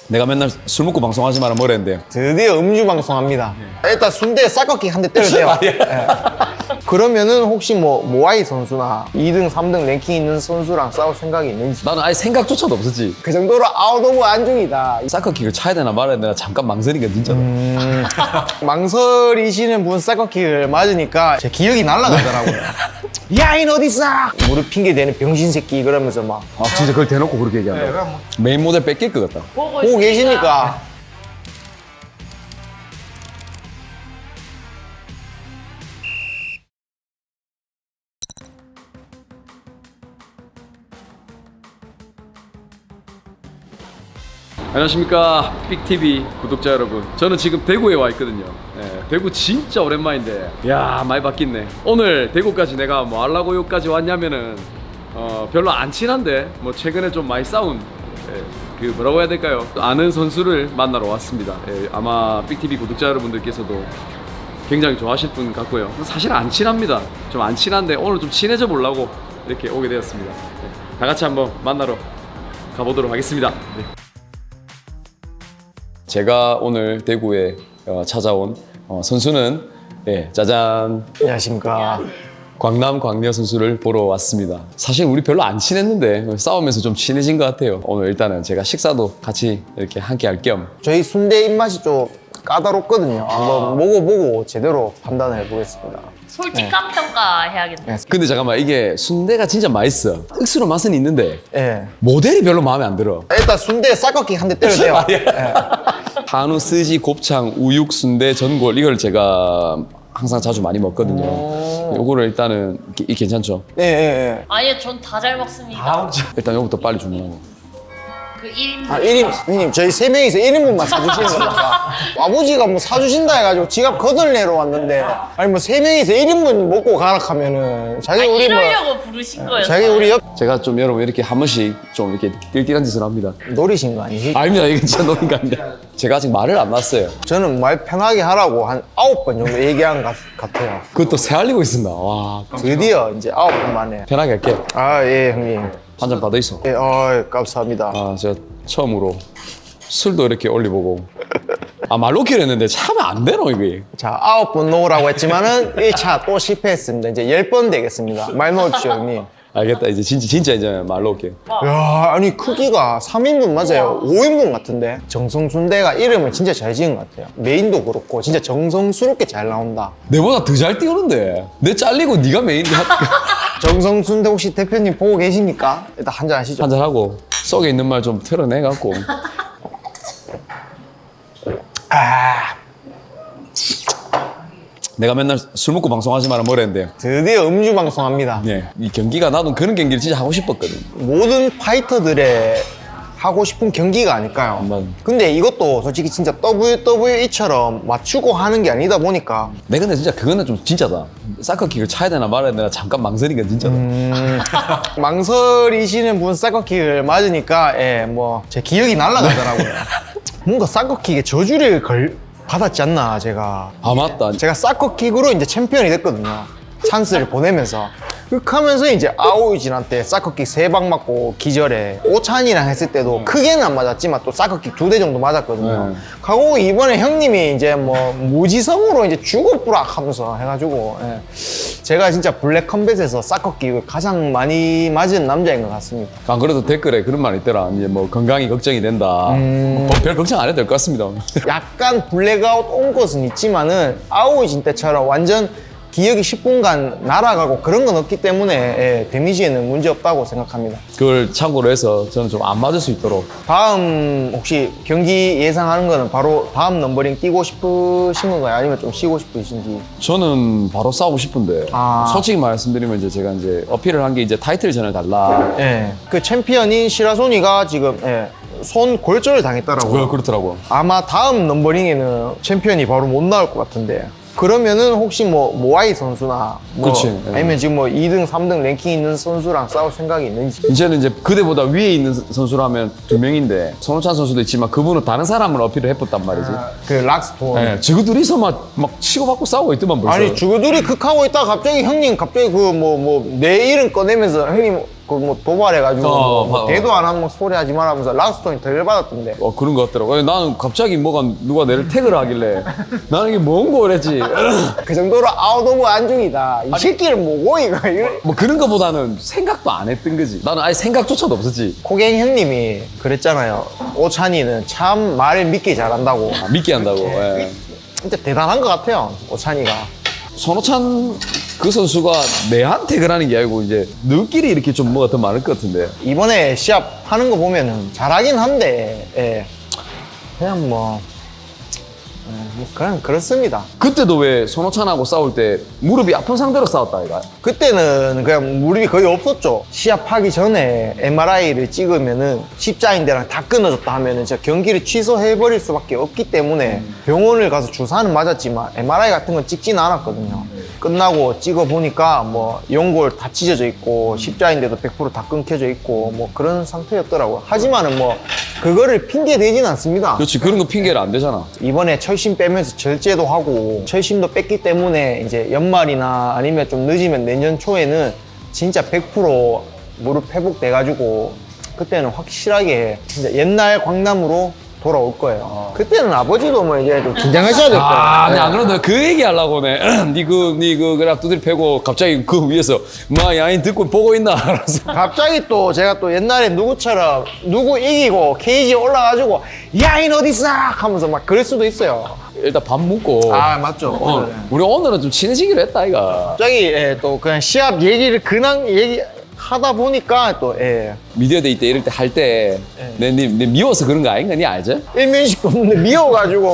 내가 맨날 술 먹고 방송하지 마라 뭐랬는데 드디어 음주 방송합니다. 일단 순대에 쌀꺾기 한 대 때려대요. 예. 그러면은 혹시 뭐 모아이 선수나 2등, 3등 랭킹 있는 선수랑 싸울 생각이 있는지. 나는 아예 생각조차도 없었지. 그 정도로 아웃 오브 안중이다. 사커킥을 차야 되나 말아야 되나 잠깐 망설이니까 진짜. 망설이시는 분 쌀꺾기를 맞으니까 제 기억이 날아가더라고요. 야인 어딨어? 무릎 핑계 대는 병신 새끼 그러면서 막 아 진짜 그걸 대놓고 그렇게 얘기한다. 메인 모델 뺏길 것 같다. 보고 계시니까. 안녕하십니까 삑TV 구독자 여러분, 저는 지금 대구에 와 있거든요. 대구 진짜 오랜만인데 야 많이 바뀌네. 오늘 대구까지 내가 뭐 하려고 여기까지 왔냐면은 별로 안 친한데 뭐 최근에 좀 많이 싸운 그 뭐라고 해야 될까요, 아는 선수를 만나러 왔습니다. 아마 삑TV 구독자 여러분들께서도 굉장히 좋아하실 분 같고요. 사실 안 친합니다. 좀 안 친한데 오늘 좀 친해져 보려고 이렇게 오게 되었습니다. 다 같이 한번 만나러 가보도록 하겠습니다. 네. 제가 오늘 대구에 찾아온 선수는 짜잔, 안녕하십니까. 광남 광녀 선수를 보러 왔습니다. 사실 우리 별로 안 친했는데 싸우면서 좀 친해진 것 같아요. 오늘 일단은 제가 식사도 같이 이렇게 함께 할 겸 저희 순대 입맛이 좀 까다롭거든요. 한번 먹어보고 제대로 판단을 해보겠습니다. 솔직한 평가 해야겠네. 근데 잠깐만, 이게 순대가 진짜 맛있어. 억수로 맛은 있는데 예. 모델이 별로 마음에 안 들어. 일단 순대에 쌀꺾기 한 대 때려대요. 한우, 스지, 곱창, 우육, 순대, 전골, 이걸 제가 항상 자주 많이 먹거든요. 요거를 일단은 괜찮죠? 예, 예, 예. 아니요, 전 다 잘 먹습니다. 일단 요거부터 빨리 주문하고. 그 1인분. 아, 1인, 형님, 저희 3명이서 1인분만 사주시는 겁니다. 아버지가 뭐 사주신다 해가지고 지갑 거덜내러 왔는데, 아니 뭐 3명이서 1인분 먹고 가라 하면은, 자기 우리 뭐, 이러려고 부르신 거였어요. 자기 우리 옆 제가 좀 여러분 이렇게 한 번씩 좀 이렇게 띨띨한 짓을 합니다. 노리신 거 아니지? 아닙니다. 이게 진짜 노는 거 아닙니다. 제가 아직 말을 안 놨어요. 저는 말 편하게 하라고 한 9번 정도 얘기한 것 같아요. 그것도 새알리고 있습니다. 와, 드디어 이제 9번 만에. 편하게 할게. 아, 예, 형님. 한 잔 받아 있어. 예, 감사합니다. 아, 제가 처음으로 술도 이렇게 올려보고. 아, 말 놓기로 했는데 참 안 되노, 이게. 자, 9번 놓으라고 했지만은 1차 또 실패했습니다. 이제 10번 되겠습니다. 말 놓으십시오, 형님. 알겠다. 이제 진짜 이제 말 놓을게. 야, 아니 크기가 3인분 맞아요. 5인분 같은데. 정성순대가 이름을 진짜 잘 지은 것 같아요. 메인도 그렇고 진짜 정성스럽게 잘 나온다. 내보다 더 잘 띄우는데. 내 잘리고 네가 메인 정성순대 혹시 대표님 보고 계십니까? 일단 한잔 하시죠. 한잔 하고 속에 있는 말 좀 털어내 갖고. 아, 내가 맨날 술 먹고 방송하지 마라 뭐랬는데. 드디어 음주 방송합니다. 네. 이 경기가 나도 그런 경기를 진짜 하고 싶었거든. 모든 파이터들의 하고 싶은 경기가 아닐까요? 맞아. 근데 이것도 솔직히 진짜 WWE처럼 맞추고 하는 게 아니다 보니까 내 근데 진짜 그거는 좀 진짜다. 사커킥을 차야 되나 말아야 되나 잠깐 망설이니까 진짜다. 망설이시는 분 쌀꺾기를 맞으니까 뭐 제 기억이 날아가더라고요. 뭔가 쌀꺾기에 저주를 받았지 않나 제가. 아 맞다. 제가 쌀꺾킥으로 이제 챔피언이 됐거든요. 찬스를 보내면서 흑하면서 이제 아오이진한테 쌀꺾킥 3방 맞고 기절해. 오찬이랑 했을 때도 크게는 안 맞았지만 또 쌀꺾킥 2대 정도 맞았거든요. 하고 이번에 형님이 이제 뭐 무지성으로 이제 죽어부락 하면서 해가지고 제가 진짜 블랙 컴뱃에서 쌀꺾킥을 가장 많이 맞은 남자인 것 같습니다. 안 그래도 댓글에 그런 말 있더라. 이제 뭐 건강이 걱정이 된다. 별 걱정 안 해도 될 것 같습니다. 약간 블랙아웃 온 것은 있지만은 아오이진 때처럼 완전 기억이 10분간 날아가고 그런 건 없기 때문에 데미지에는 문제 없다고 생각합니다. 그걸 참고로 해서 저는 좀 안 맞을 수 있도록. 다음 혹시 경기 예상하는 거는 바로 다음 넘버링 뛰고 싶으신 건가요? 아니면 좀 쉬고 싶으신지? 저는 바로 싸우고 싶은데 솔직히 말씀드리면 이제 제가 이제 어필을 한 게 이제 타이틀 전을 달라. 그 챔피언인 시라소니가 지금 손 골절을 당했더라고요. 그렇더라고. 아마 다음 넘버링에는 챔피언이 바로 못 나올 것 같은데. 그러면은 혹시 뭐 모아이 선수나 뭐 그치, 아니면 지금 뭐 2등, 3등 랭킹 있는 선수랑 싸울 생각이 있는지. 이제는 이제 그대보다 위에 있는 선수라면 2명인데 손호찬 선수도 있지만 그분은 다른 사람을 어필을 해봤단 말이지. 그 락스톤. 지그 둘이서 막 치고받고 싸우고 있더만 벌써. 아니 주구들이 극하고 있다가 갑자기 형님 갑자기 그 내 이름 꺼내면서 형님 그 뭐 도발해가지고 뭐 어. 대도 안 하면 소리 하지 말라면서 라스톤이 덜 받았던데. 그런 것 같더라고. 아니, 나는 갑자기 누가 내를 태그를 하길래 나는 이게 뭔 거랬지. 그 정도로 아웃 오브 안중이다. 이 새끼를 뭐고 이거. 뭐 그런 거보다는 생각도 안 했던 거지. 나는 아예 생각조차도 없었지. 코갱 형님이 그랬잖아요. 오찬이는 참 말을 믿기 잘한다고. 믿게 한다고. 예. 진짜 대단한 것 같아요, 오찬이가. 손호찬 그 선수가 내한테 그러는 게 아니고 이제 너끼리 이렇게 좀 뭐가 더 많을 것 같은데. 이번에 시합 하는 거 보면은 잘하긴 한데, 예. 그냥 뭐 그냥 그렇습니다. 그때도 왜 손호찬하고 싸울 때 무릎이 아픈 상태로 싸웠다 이가. 그때는 그냥 무릎이 거의 없었죠. 시합하기 전에 MRI를 찍으면은 십자인대랑 다 끊어졌다 하면은 진짜 경기를 취소해버릴 수밖에 없기 때문에 병원을 가서 주사는 맞았지만 MRI 같은 건 찍지는 않았거든요. 끝나고 찍어보니까 뭐 연골 다 찢어져 있고 십자인대도 100%다 끊겨져 있고 뭐 그런 상태였더라고요. 하지만은 뭐 그거를 핑계 대진 않습니다. 그렇지, 그런 거 핑계를 안 대잖아. 이번에 철심 빼면서 절제도 하고 철심도 뺐기 때문에 이제 연말이나 아니면 좀 늦으면 내년 초에는 진짜 100% 무릎 회복돼가지고 그때는 확실하게 진짜 옛날 광남으로 돌아올 거예요. 그때는 아버지도 뭐 이제 좀 긴장하셔야 될 거예요. 네, 안 그러다 그 얘기 하려고네. 니그 그냥 두드리 패고 갑자기 그 위에서 마 야인 듣고 보고 있나? 알았어. 갑자기 또 제가 또 옛날에 누구처럼 누구 이기고 케이지 올라가지고 야인 어딨어 하면서 막 그럴 수도 있어요. 일단 밥 먹고. 아 맞죠. 네. 우리 오늘은 좀 친해지기로 했다 이가. 갑자기 예, 또 그냥 시합 얘기를 그냥 얘기하다 보니까 또 예. 미디어 데이 때 이럴 때 할 때 내 미워서 그런 거 아닌가? 니 알지? 일면식도 없는데 미워가지고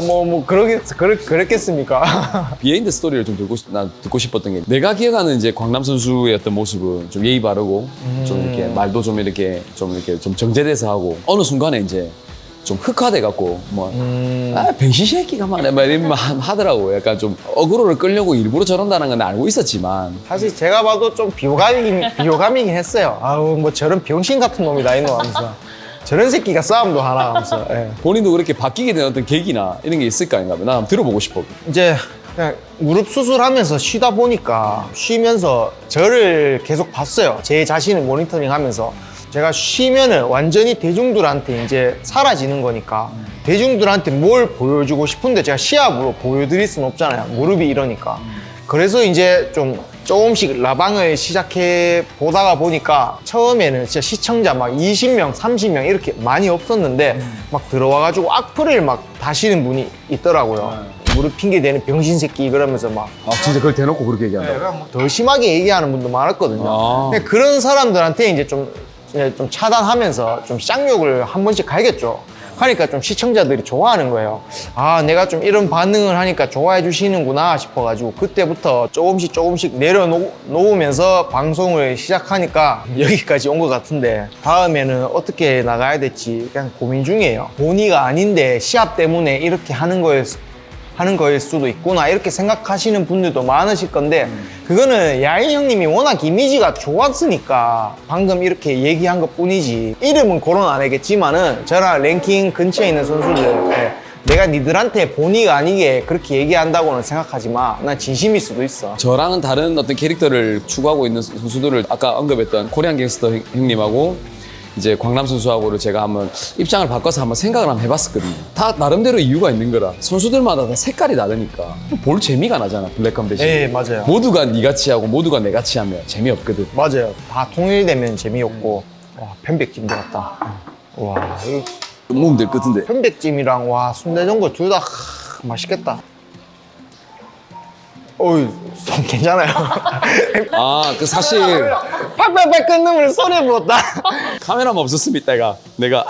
그랬겠습니까? 비하인드 스토리를 좀 난 듣고 싶었던 게 내가 기억하는 이제 광남 선수의 어떤 모습은 좀 예의 바르고 좀 이렇게 말도 좀 이렇게 좀 정제돼서 하고 어느 순간에 이제 좀 흑화돼 갖고 뭐 병신 새끼가 말해 막 이런 말 하더라고. 약간 좀 어그로를 끌려고 일부러 저런다는 건 알고 있었지만 사실 제가 봐도 좀 비호감이긴 했어요. 아우 뭐 저런 병신 같은 놈이다 이놈 하면서 저런 새끼가 싸움도 하나 하면서 예. 본인도 그렇게 바뀌게 된 어떤 계기나 이런 게 있을까 아닌가? 나 한번 들어보고 싶어. 이제 그냥 무릎 수술하면서 쉬다 보니까 쉬면서 저를 계속 봤어요. 제 자신을 모니터링하면서 제가 쉬면은 완전히 대중들한테 이제 사라지는 거니까 대중들한테 뭘 보여주고 싶은데 제가 시합으로 보여드릴 수는 없잖아요. 무릎이 이러니까. 그래서 이제 좀 조금씩 라방을 시작해 보다가 보니까 처음에는 진짜 시청자 막 20명, 30명 이렇게 많이 없었는데 막 들어와가지고 악플을 막 다시는 분이 있더라고요. 무릎 핑계 대는 병신 새끼 그러면서 막 진짜 그걸 대놓고 그렇게 얘기한다고? 더 심하게 얘기하는 분도 많았거든요. 아. 근데 그런 사람들한테 이제 좀 차단하면서 좀 쌍욕을 한 번씩 갈겼죠. 하니까 좀 시청자들이 좋아하는 거예요. 아, 내가 좀 이런 반응을 하니까 좋아해 주시는구나 싶어가지고 그때부터 조금씩 내려놓으면서 방송을 시작하니까 여기까지 온 것 같은데 다음에는 어떻게 나가야 될지 그냥 고민 중이에요. 본의가 아닌데 시합 때문에 이렇게 하는 거일 수도 있구나 이렇게 생각하시는 분들도 많으실 건데 그거는 야인 형님이 워낙 이미지가 좋았으니까 방금 이렇게 얘기한 것 뿐이지 이름은 거론 안 하겠지만은 저랑 랭킹 근처에 있는 선수들 내가 니들한테 본의가 아니게 그렇게 얘기한다고는 생각하지 마. 난 진심일 수도 있어. 저랑은 다른 어떤 캐릭터를 추구하고 있는 선수들을 아까 언급했던 코리안 갱스터 형님하고 이제 광남 선수하고를 제가 한번 입장을 바꿔서 한번 생각을 한번 해봤었거든요. 다 나름대로 이유가 있는 거라. 선수들마다 다 색깔이 다르니까 볼 재미가 나잖아. 블랙컴 대신. 네, 맞아요. 모두가 니같이 하고 모두가 내같이 하면 재미없거든. 맞아요. 다 통일되면 재미없고. 와, 편백찜 들어갔다. 와, 이거 먹으면 될 것 같은데. 편백찜이랑 와 순대전골 둘 다 맛있겠다. 어이, 손 괜찮아요. 그 사실 팍팍팍 끊는 소리 불었다. 카메라만 없었으면 이따가 내가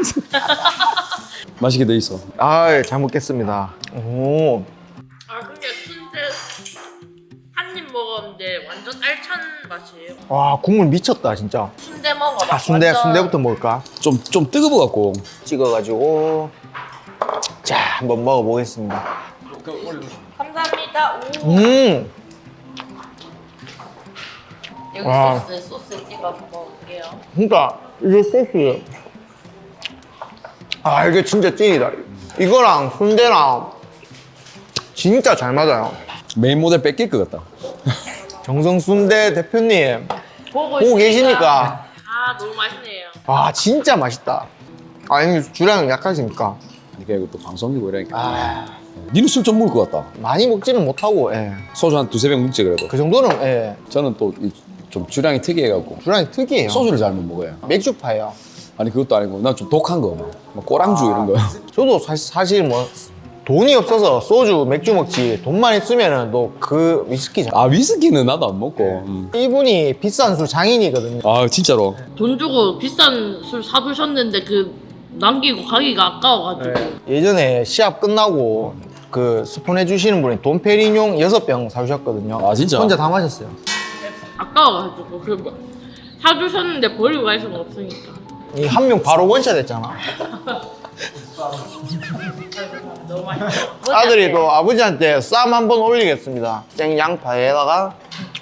맛있게 돼 있어. 아, 잘 먹겠습니다. 오, 아 근데 순대 한 입 먹었는데 완전 알찬 맛이에요. 와 국물 미쳤다 진짜. 순대 먹어봐. 아, 순대부터 먹을까? 좀 뜨거워 갖고. 찍어가지고 자 한번 먹어보겠습니다. 감사합니다. 오. 여기 와. 소스 찍어서 먹을게요. 그러니까 이게 소스. 아 이게 진짜 찐이다. 이거랑 순대랑 진짜 잘 맞아요. 메인 모델 뺏길 것 같다. 정성순대 대표님 보고 보고 계시니까 아 너무 맛있네요. 와 진짜 맛있다. 아 형님 주량은 약하시니까. 그러니까 이거 또 방송이고 이러니까. 아 니는 술 좀 먹을 것 같다. 많이 먹지는 못하고 예. 소주 한 두세 병 먹지 그래도. 그 정도는 예. 저는 또 좀 주량이 특이해갖고 주량이 특이해요. 소주를 잘 못 먹어요. 맥주파예요. 아니 그것도 아니고 난 좀 독한 거, 뭐 꼬랑주 이런 거. 저도 사실 뭐 돈이 없어서 소주, 맥주 먹지 돈만 있으면은 또 그 위스키 아 위스키는 나도 안 먹고. 이분이 비싼 술 장인이거든요. 아 진짜로. 돈 주고 비싼 술 사두셨는데 그 남기고 가기가 아까워가지고. 예전에 시합 끝나고 그 스폰 해주시는 분이 돈페리뇽 6병 사주셨거든요. 아, 진짜? 혼자 다 마셨어요. 아까워가지고 그 사주셨는데 버리고 갈 수는 없으니까. 이 한 명 바로 원샷 했잖아. 너무 맛있어. 아들이 또 아버지한테 쌈 한번 올리겠습니다. 생양파에다가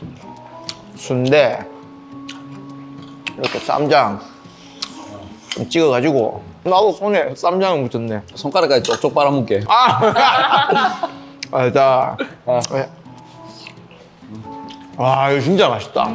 순대 이렇게 쌈장 좀 찍어가지고 나도 손에 쌈장을 묻혔네. 손가락까지 쪽쪽 빨아먹게. 아, 자, 와 이거 진짜 맛있다.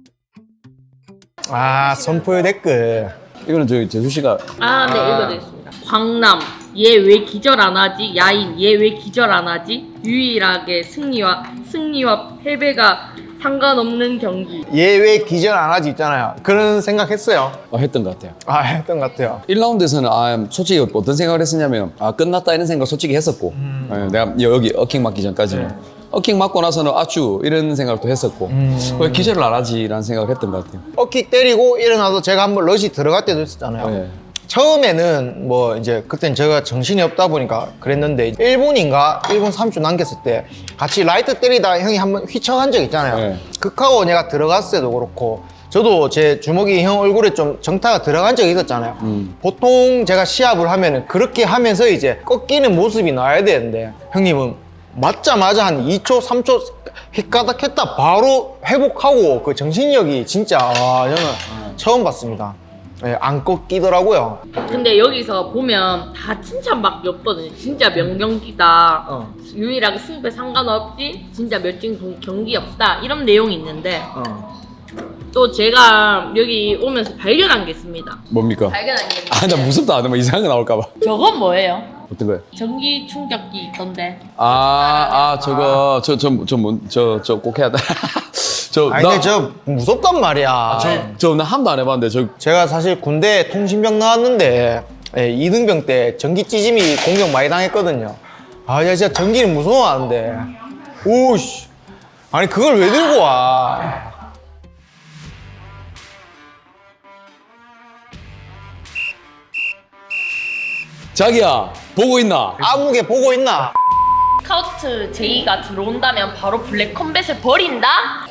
아 선포 댓글. 이거는 저기 재수 씨가 아, 네, 읽어드리겠습니다. 광남, 얘 왜 기절 안 하지? 야인, 얘 왜 기절 안 하지? 유일하게 승리와 패배가 상관없는 경기. 얘 왜 기절 안 하지 있잖아요. 그런 생각했어요. 했던 것 같아요. 아 했던 것 같아요. 1라운드에서는 솔직히 어떤 생각을 했었냐면 끝났다 이런 생각 솔직히 했었고 내가 여기 어킹 맞기 전까지는 어킹 맞고 나서는 아쭈 이런 생각도 했었고 왜 기절을 안 하지 라는 생각을 했던 것 같아요. 어킥 때리고 일어나서 제가 한번 러시 들어갈 때도 있었잖아요. 네. 처음에는 뭐 이제 그땐 제가 정신이 없다 보니까 그랬는데 1분인가 1분 30초 남겼을 때 같이 라이트 때리다 형이 한번 휘청한 적 있잖아요. 네. 극하고 내가 들어갔을 때도 그렇고 저도 제 주먹이 형 얼굴에 좀 정타가 들어간 적이 있었잖아요. 보통 제가 시합을 하면은 그렇게 하면서 이제 꺾이는 모습이 나와야 되는데 형님은 맞자마자 한 2초 3초 휘까닥 했다 바로 회복하고 그 정신력이 진짜 저는 처음 봤습니다. 예, 안 꺾이더라고요. 근데 여기서 보면 다 칭찬밖에 없거든요. 진짜 명경기다. 유일하게 승패 상관없이 진짜 몇진 경기 없다. 이런 내용이 있는데 또 제가 여기 오면서 발견한 게 있습니다. 뭡니까? 발견한 게 있는데 나 무섭다. 뭐 이상한 거 나올까 봐. 저건 뭐예요? 어떤 거요? 전기 충격기 있던데. 저거 저 꼭 해야 돼. 아니 근데 저 무섭단 말이야. 나 한 번도 안 해봤는데 제가 사실 군대 통신병 나왔는데 예, 이등병 때 전기 찌짐이 공격 많이 당했거든요. 아, 야, 진짜 전기는 무서워하는데. 오씨. 아니 그걸 왜 들고 와? 자기야 보고 있나? 아무개 보고 있나? 스카우트 제이가 들어온다면 바로 블랙 컴뱃을 버린다?